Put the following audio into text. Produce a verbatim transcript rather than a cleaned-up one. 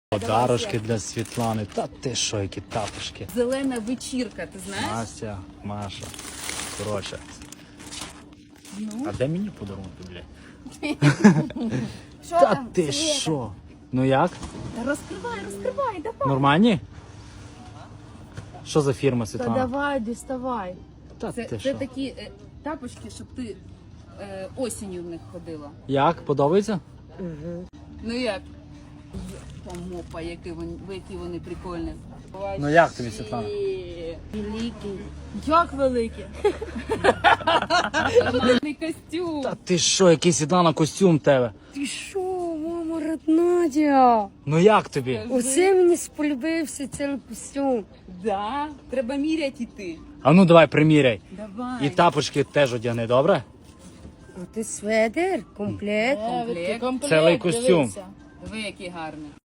Подарочки для Світлани. Та ти що, які тапочки. Зелена вечірка, ти знаєш? Настя, Маша. Коротше. Ну. А де мені подарунки, блядь? Що Та там? ти Света? що? Ну як? Та розкривай, розкривай, давай. Нормальні? Що за фірма, Та Світлана? давай, діставай. Та Це, ти це що? такі е, тапочки, щоб ти е, осінню в них ходила. Як? Подобається? Ну як? Помопа, які вони, які вони прикольні. Ну як тобі, Світлана? Великий. Як великий? Модний костюм. Та ти що, який, Світлана, костюм в тебе? Ти що, мама роднадя? Ну як тобі? Оце мені сподобався цей костюм. Да, треба міряти йти. А ну давай приміряй. Давай. І тапочки теж одягни, добре? А ти сведер, комплект. Комплект. Цілий костюм. Диви, який гарний.